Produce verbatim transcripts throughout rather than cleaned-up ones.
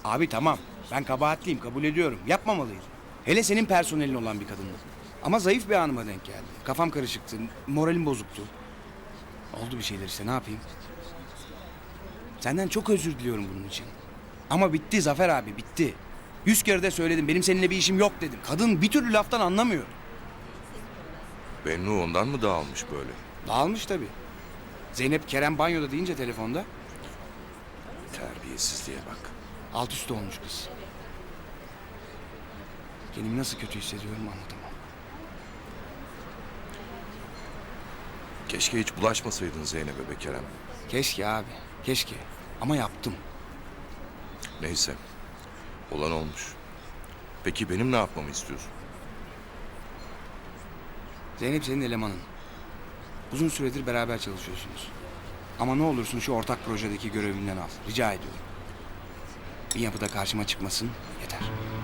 Abi tamam. Ben kabahatliyim, kabul ediyorum. Yapmamalıydım. Hele senin personelin olan bir kadınla. Ama zayıf bir anıma denk geldi. Kafam karışıktı, moralim bozuktu. Oldu bir şeyler işte, ne yapayım? Senden çok özür diliyorum bunun için. Ama bitti Zafer abi, bitti. Yüz kere de söyledim, benim seninle bir işim yok dedim. Kadın bir türlü laftan anlamıyor. Bennu ondan mı dağılmış böyle? Dağılmış tabii. Zeynep Kerem banyoda deyince telefonda Terbiyesizliğe bak. alt üst olmuş kız. Kendimi nasıl kötü hissediyorum anlatamam. Keşke hiç bulaşmasaydın Zeynep'e be Kerem. Keşke abi, keşke. Ama yaptım. Neyse. Olan olmuş. Peki benim ne yapmamı istiyorsun? Zeynep senin elemanın. Uzun süredir beraber çalışıyorsunuz. Ama ne olursun şu ortak projedeki görevinden al. Rica ediyorum. Bir yapıda karşıma çıkmasın yeter.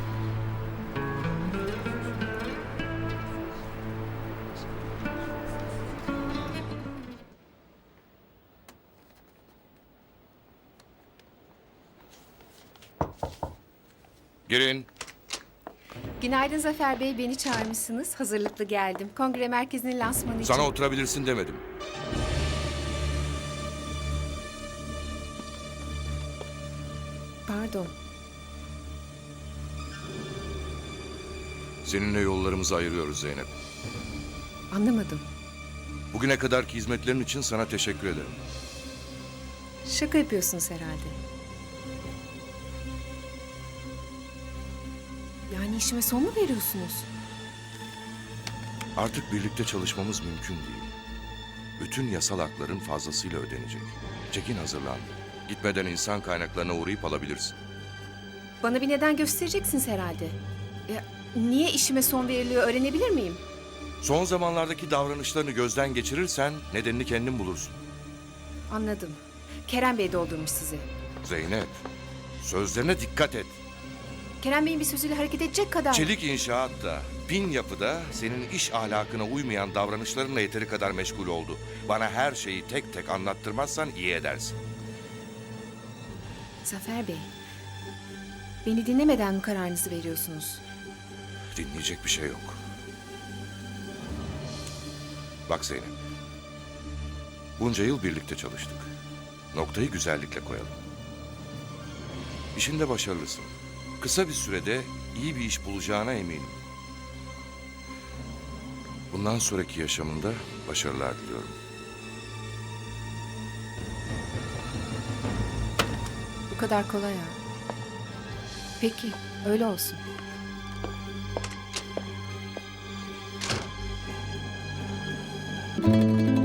Girin. Günaydın Zafer Bey, beni çağırmışsınız. Hazırlıklı geldim. Kongre merkezinin lansmanı için. Sana oturabilirsin demedim. Pardon. Seninle yollarımızı ayırıyoruz Zeynep. Anlamadım. Bugüne kadarki hizmetlerin için sana teşekkür ederim. Şaka yapıyorsunuz herhalde. Yani işime son mu veriyorsunuz? Artık birlikte çalışmamız mümkün değil. Bütün yasal hakların fazlasıyla ödenecek. Çekin hazırlan. Gitmeden insan kaynaklarına uğrayıp alabilirsin. Bana bir neden göstereceksiniz herhalde. Ya, niye işime son veriliyor öğrenebilir miyim? Son zamanlardaki davranışlarını gözden geçirirsen nedenini kendin bulursun. Anladım. Kerem Bey doldurmuş sizi. Zeynep, sözlerine dikkat et. Kerem Bey'in bir sözüyle hareket edecek kadar. Çelik inşaatta, bin yapıda senin iş ahlakına uymayan davranışlarınla yeteri kadar meşgul oldu. Bana her şeyi tek tek anlattırmazsan iyi edersin. Zafer Bey, beni dinlemeden mi kararınızı veriyorsunuz? Dinleyecek bir şey yok. Bak Zeynep, bunca yıl birlikte çalıştık. Noktayı güzellikle koyalım. İşinde başarılısın. Kısa bir sürede iyi bir iş bulacağına eminim. Bundan sonraki yaşamında başarılar diliyorum. Bu kadar kolay ha. Peki, öyle olsun. Müzik